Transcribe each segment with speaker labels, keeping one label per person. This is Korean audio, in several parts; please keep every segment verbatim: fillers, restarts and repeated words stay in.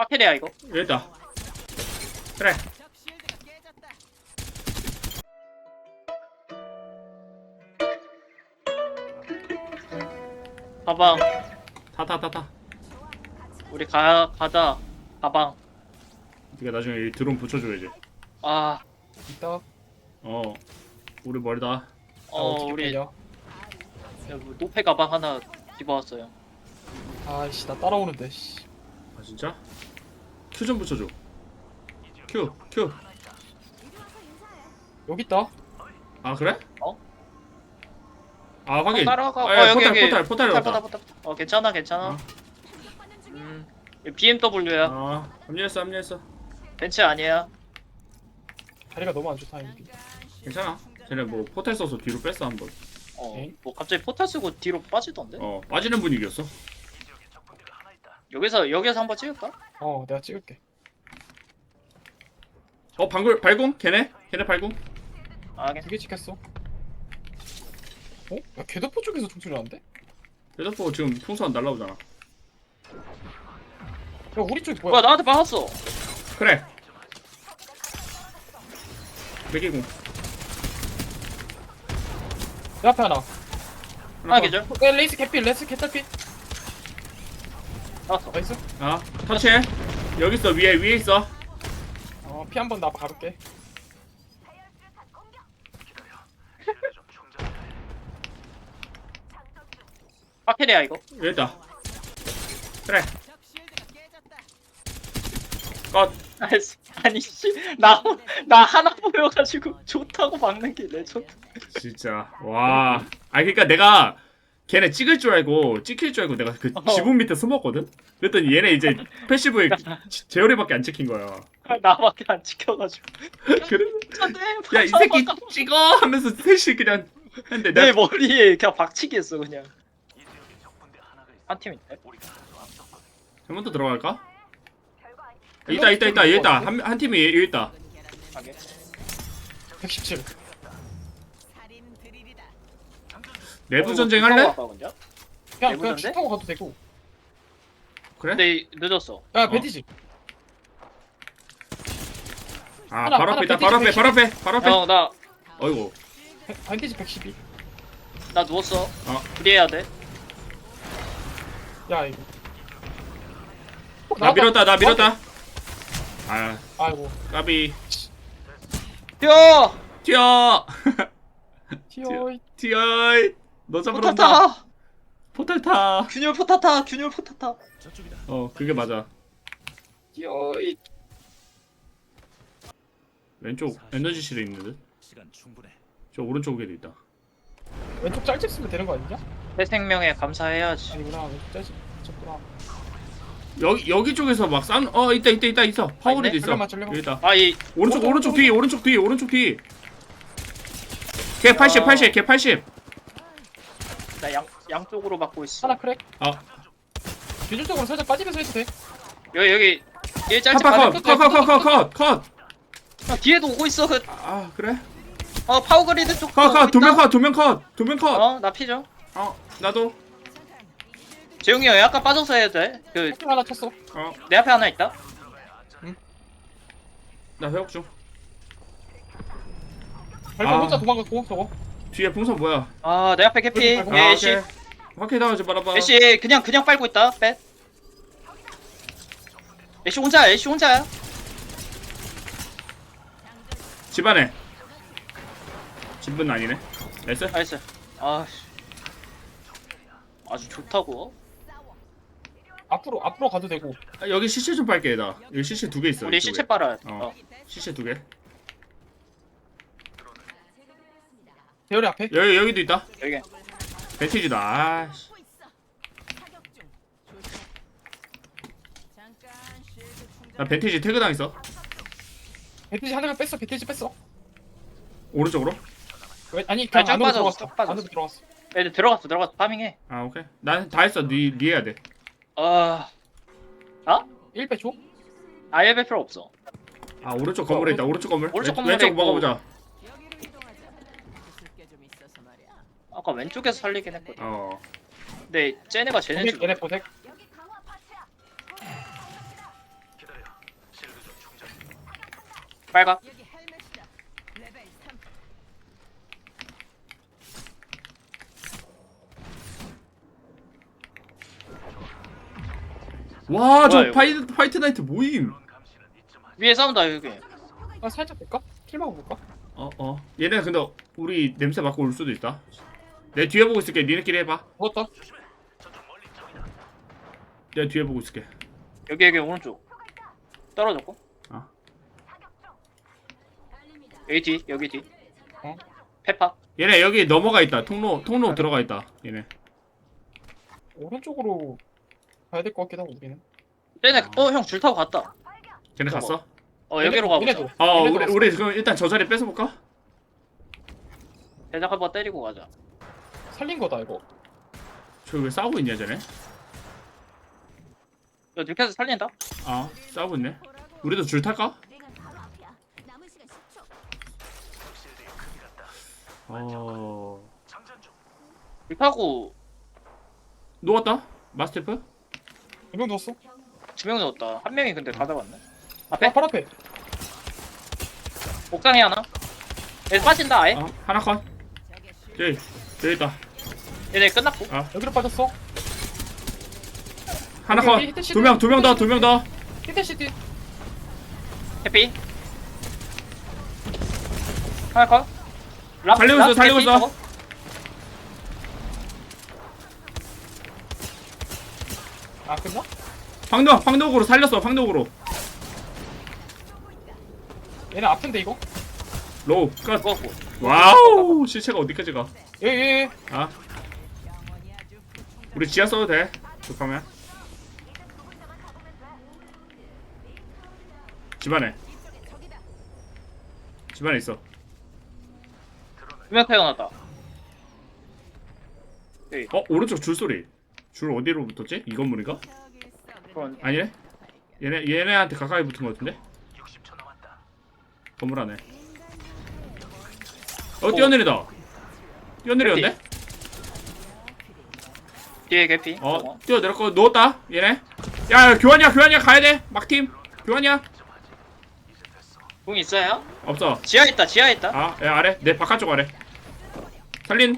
Speaker 1: 파케리야 이거.
Speaker 2: 여기다. 그래.
Speaker 1: 가방.
Speaker 2: 타 타 타 타.
Speaker 1: 우리 가 가자. 가방.
Speaker 2: 네가 나중에 이 드론 붙여줘야지.
Speaker 1: 아,
Speaker 3: 이따
Speaker 2: 어. 우리 멀다.
Speaker 3: 어,
Speaker 1: 어
Speaker 3: 어떻게
Speaker 1: 우리
Speaker 3: 빼냐?
Speaker 1: 노페 가방 하나 집어왔어요.
Speaker 3: 아이씨 나 따라오는데 씨.
Speaker 2: 아 진짜? 큐 좀 붙여줘. 큐 큐.
Speaker 3: 여기 있다.
Speaker 2: 아 그래?
Speaker 1: 어?
Speaker 2: 아 확인.
Speaker 1: 따라가.
Speaker 2: 아,
Speaker 1: 어
Speaker 2: 야,
Speaker 1: 여기
Speaker 2: 포탈
Speaker 1: 여기.
Speaker 2: 포탈 포탈
Speaker 1: 포탈,
Speaker 2: 왔다.
Speaker 1: 포탈, 포탈. 어 괜찮아 괜찮아.
Speaker 2: 어.
Speaker 1: 음, 비엠더블유야.
Speaker 2: 아 합류했어 합류했어.
Speaker 1: 벤츠 아니야.
Speaker 3: 다리가 너무 안 좋다 여기.
Speaker 2: 괜찮아. 쟤네 뭐 포탈 써서 뒤로 뺐어 한번.
Speaker 1: 어,
Speaker 3: 에이?
Speaker 1: 뭐 갑자기 포탈 쓰고 뒤로 빠지던데?
Speaker 2: 어 빠지는 분위기였어.
Speaker 1: 여기서 여기서 한번 찍을까?
Speaker 3: 어 내가 찍을게.
Speaker 2: 어 방글 발공? 걔네? 걔네 발공?
Speaker 1: 아, 괜찮아.
Speaker 3: 두 개 찍혔어. 어? 야 개도포 쪽에서 총소리 나는데? 야
Speaker 2: 레더포 지금 풍선 날라오잖아.
Speaker 3: 우리 쪽이
Speaker 1: 뭐야
Speaker 3: 뭐야?
Speaker 1: 나한테 박았어.
Speaker 2: 그래. 매기공.
Speaker 3: 내 앞에 하나.
Speaker 1: 하나 계절.
Speaker 3: 어, 야, 레이스 캐필 레이스 캐탈필.
Speaker 1: 나왔어.
Speaker 3: 나이스.
Speaker 2: 아 터치해. 여기 있어 위에 위에 있어.
Speaker 3: 어피 한 번 나 가볼게.
Speaker 1: 파케리야 이거.
Speaker 2: 여기 있다. 그래. 컷.
Speaker 1: 아이씨, 아니 씨나나 나 하나 보여가지고 좋다고 막는 게 레전드.
Speaker 2: 진짜 와. 아 그러니까 내가 걔네 찍을 줄 알고 찍힐 줄 알고 내가 그
Speaker 1: 어.
Speaker 2: 지붕 밑에 숨었거든. 그랬더니 얘네 이제 패시브에 제어리밖에 안 찍힌 거야.
Speaker 1: 나밖에 안 지켜가지고.
Speaker 2: 그래.
Speaker 1: 안돼.
Speaker 2: 야 이 새끼 찍어 하면서 셋이 그냥 했는데
Speaker 1: 내
Speaker 2: 내가
Speaker 1: 머리에 그냥 박치기 했어 그냥. 한 팀인데.
Speaker 2: 한 번 더 들어갈까? 있다 있다 있다 여기 있다. 한, 한 팀이 여기 있다.
Speaker 1: 하게.
Speaker 3: 백십칠.
Speaker 2: 내부 전쟁 할래?
Speaker 3: 그냥
Speaker 1: 내부
Speaker 3: 그냥
Speaker 1: 전쟁?
Speaker 3: 차 타고 가도 되고.
Speaker 2: 그래?
Speaker 1: 근데 늦었어.
Speaker 3: 야
Speaker 2: 어.
Speaker 3: 베디지.
Speaker 2: 아
Speaker 3: 하나,
Speaker 2: 바로
Speaker 3: 하나
Speaker 2: 앞에 있다. 바로 앞에
Speaker 3: 백십,
Speaker 2: 바로 앞에 바로 앞에.
Speaker 1: 형 나 나
Speaker 2: 어이구.
Speaker 3: 베디지 백십이.
Speaker 1: 누웠어.
Speaker 2: 어.
Speaker 1: 프리해야 돼.
Speaker 3: 야 이거. 어,
Speaker 2: 나
Speaker 3: 나왔다.
Speaker 2: 밀었다 나 밀었다. 아
Speaker 3: 아이고.
Speaker 2: 까비.
Speaker 1: 뛰어.
Speaker 2: 튀어.
Speaker 3: 티어이.
Speaker 2: 튀어. 너 잡으러 온다.
Speaker 1: 포타타.
Speaker 2: 포탈 타.
Speaker 1: 균열 포타타. 균열 포타타.
Speaker 2: 어 그게 맞아.
Speaker 3: 티어이.
Speaker 2: 왼쪽 에너지실에 있는 듯.
Speaker 4: 시간 충분해.
Speaker 2: 저 오른쪽에도 있다.
Speaker 3: 왼쪽 짤집 쓰면 되는 거 아니냐?
Speaker 1: 새 생명에 감사해야지.
Speaker 3: 아니구나 왼쪽 짤집 쳤구나.
Speaker 2: 여기 여기 쪽에서 막 싼. 어 있다 있다 있다 있어. 파워리도
Speaker 1: 있네?
Speaker 2: 있어.
Speaker 3: 잠깐만, 잠깐만.
Speaker 2: 여기 있다.
Speaker 1: 아이
Speaker 2: 오른쪽
Speaker 3: 오른쪽,
Speaker 2: 오른쪽 뒤 오른쪽 뒤 오른쪽 뒤. 걔 팔십
Speaker 1: 어.
Speaker 2: 팔십 걔 팔십.
Speaker 1: 나 양 양쪽으로 막고 있어.
Speaker 3: 하나 크랙.
Speaker 2: 아
Speaker 3: 기술적으로 살짝 빠지면서 해도 돼.
Speaker 1: 여기 여기 일짤집
Speaker 2: 파파
Speaker 1: 가는
Speaker 2: 컷컷컷컷컷컷.
Speaker 1: 아, 뒤에도 오고 있어. 그,
Speaker 2: 아 그래?
Speaker 1: 어 파워그리드 쪽.
Speaker 2: 컷컷두명 컷 두 명 컷 두 명 컷.
Speaker 1: 어나 피죠.
Speaker 2: 어 나도.
Speaker 1: 재웅이 형 약간 빠져서 해야 돼. 그 내
Speaker 3: 커피 하나 쳤어.
Speaker 2: 어
Speaker 1: 앞에 하나 있다.
Speaker 2: 나 회복 중.
Speaker 3: 발판
Speaker 2: 아.
Speaker 3: 혼자 도망갔고 저거.
Speaker 2: 뒤에 풍선 뭐야?
Speaker 1: 아 내 앞에 캐피.
Speaker 3: 아,
Speaker 2: 아
Speaker 1: 애쉬
Speaker 2: 오케이. 확히 당하지 말아봐.
Speaker 1: 애쉬 그냥 그냥 빨고 있다. 빼. 애쉬 혼자야. 애쉬 혼자야.
Speaker 2: 집안에. 집은 아니네. 나이스.
Speaker 1: 나이스. 아씨. 아주 좋다고.
Speaker 3: 앞으로 앞으로 가도 되고.
Speaker 2: 아, 여기 시체 좀 빨게 나. 여기 시체 두 개 있어.
Speaker 1: 우리
Speaker 2: 이쪽에.
Speaker 1: 시체 빨아야 돼.
Speaker 2: 어.
Speaker 1: 어.
Speaker 2: 시체 두 개.
Speaker 3: 대열이 앞에.
Speaker 2: 여기 여기도 있다.
Speaker 1: 여기.
Speaker 2: 벤티지다. 아씨. 나 벤티지 태그 당했어.
Speaker 3: 배트지 하나가 뺐어. 배트지 뺐어.
Speaker 2: 오른쪽으로.
Speaker 3: 왜, 아니
Speaker 1: 아,
Speaker 3: 그냥
Speaker 1: 쫙
Speaker 3: 안으로
Speaker 1: 빠졌어,
Speaker 3: 들어갔어.
Speaker 1: 쫙 빠졌어.
Speaker 3: 안으로 들어갔어.
Speaker 1: 애들 들어갔어 들어갔어 파밍해.
Speaker 2: 아 오케이. 난 다 했어. 니 니 해야 돼.
Speaker 1: 아.
Speaker 3: 일 배 줘.
Speaker 1: 아예 별 필요 없어.
Speaker 2: 아 오른쪽 건물에 있다. 오른쪽 건물.
Speaker 1: 오른쪽
Speaker 2: 왼-
Speaker 1: 건물에
Speaker 2: 왼쪽
Speaker 1: 있고.
Speaker 2: 먹어보자.
Speaker 1: 아까 왼쪽에서 살리긴 했거든.
Speaker 2: 어.
Speaker 1: 근데 쟤네가 쟤네
Speaker 3: 보색
Speaker 1: 줄.
Speaker 3: 얘네 보색.
Speaker 1: 빨가.
Speaker 2: 와, 저
Speaker 1: 뭐야, 이거?
Speaker 2: 파이트 파이트 나이트 모임.
Speaker 1: 위에 싸운다 여기.
Speaker 3: 아 살짝 볼까? 킬 먹어볼까?
Speaker 2: 어, 어. 얘네 근데 우리 냄새 맡고 올 수도 있다. 내 뒤에 보고 있을게. 니네끼리 해봐.
Speaker 3: 먹었다.
Speaker 2: 내가 뒤에 보고 있을게.
Speaker 1: 여기 여기 오른쪽. 떨어졌고.
Speaker 2: 어.
Speaker 1: 여기 뒤 여기 뒤.
Speaker 3: 어?
Speaker 1: 페파.
Speaker 2: 얘네 여기 넘어가 있다. 통로 통로
Speaker 3: 아,
Speaker 2: 들어가 있다. 얘네.
Speaker 3: 오른쪽으로 가야 될 것 같기도 하고 우리는.
Speaker 1: 쟤네 어형 줄 타고 갔다.
Speaker 2: 걔네
Speaker 1: 저거.
Speaker 2: 갔어?
Speaker 1: 어 여기로 가보자.
Speaker 3: 얘네도.
Speaker 2: 어,
Speaker 3: 얘네도
Speaker 2: 우리
Speaker 3: 갔어.
Speaker 2: 우리 그럼 일단 저 자리 뺏어 볼까?
Speaker 1: 대작 한번 때리고 가자.
Speaker 3: 살린 거다 이거.
Speaker 2: 저기 왜 싸우고 있냐, 쟤네?
Speaker 1: 야 뉴캐스 살린다.
Speaker 2: 아, 싸우고 있네. 우리도 줄 탈까? 어.
Speaker 1: 줄 타고
Speaker 2: 누웠다? 마스테프?
Speaker 3: 두명 넣었어.
Speaker 1: 두 명 넣었다. 한 명이 근데 다 잡았네. 앞에
Speaker 3: 아, 바로 앞에.
Speaker 1: 옥상에 하나. 얘 빠진다 아예.
Speaker 2: 어, 하나 컷. 저기, 저기 있다.
Speaker 1: 얘네 끝났고.
Speaker 3: 여기로 빠졌어.
Speaker 2: 하나
Speaker 3: 여기, 여기
Speaker 2: 컷.
Speaker 3: 히트시트.
Speaker 2: 두 명, 두 명 더, 두 명 더.
Speaker 3: 히트시티.
Speaker 1: 해피. 하나 컷. 랍,
Speaker 2: 살리고
Speaker 1: 랍
Speaker 2: 있어, 살리고
Speaker 1: 해피
Speaker 2: 있어.
Speaker 1: 저거.
Speaker 3: 아 끝나?
Speaker 2: 황도, 황도구로 살렸어, 황도구로.
Speaker 3: 얘네 아픈데 이거?
Speaker 2: 로우, 컷.
Speaker 1: 죽었고.
Speaker 2: 와우, 시체가 어디까지 가?
Speaker 3: 예예.
Speaker 2: 아. 우리 지하 써도 돼. 급하면. 집안에. 집안에 있어.
Speaker 1: 두명 태어났다.
Speaker 2: 어, 오른쪽 줄 소리. 줄 어디로 붙었지? 이 건물인가?
Speaker 1: 그런
Speaker 2: 아니네. 얘네 얘네한테 가까이 붙은 것 같은데. 건물 안에. 어, 뛰어내리다. 뛰어내렸네.
Speaker 1: 뒤에 개피.
Speaker 2: 어,
Speaker 1: 저거.
Speaker 2: 뛰어내렸고 누웠다. 얘네. 야, 야, 교환이야, 교환이야, 가야 돼. 막팀. 교환이야.
Speaker 1: 공 있어요?
Speaker 2: 없어.
Speaker 1: 지하 있다. 지하 있다.
Speaker 2: 아, 야, 아래. 내 바깥쪽 아래. 살린.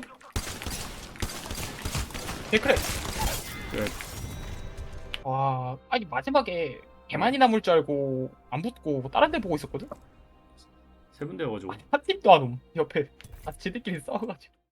Speaker 3: 데크레.
Speaker 2: 그래.
Speaker 3: 와 아니 마지막에 개만이 남을 줄 알고 안 붙고 다른 데 보고 있었거든.
Speaker 2: 세 군데 가지고.
Speaker 3: 한 팀도 안 옴. 옆에. 아 지들끼리 싸워가지고.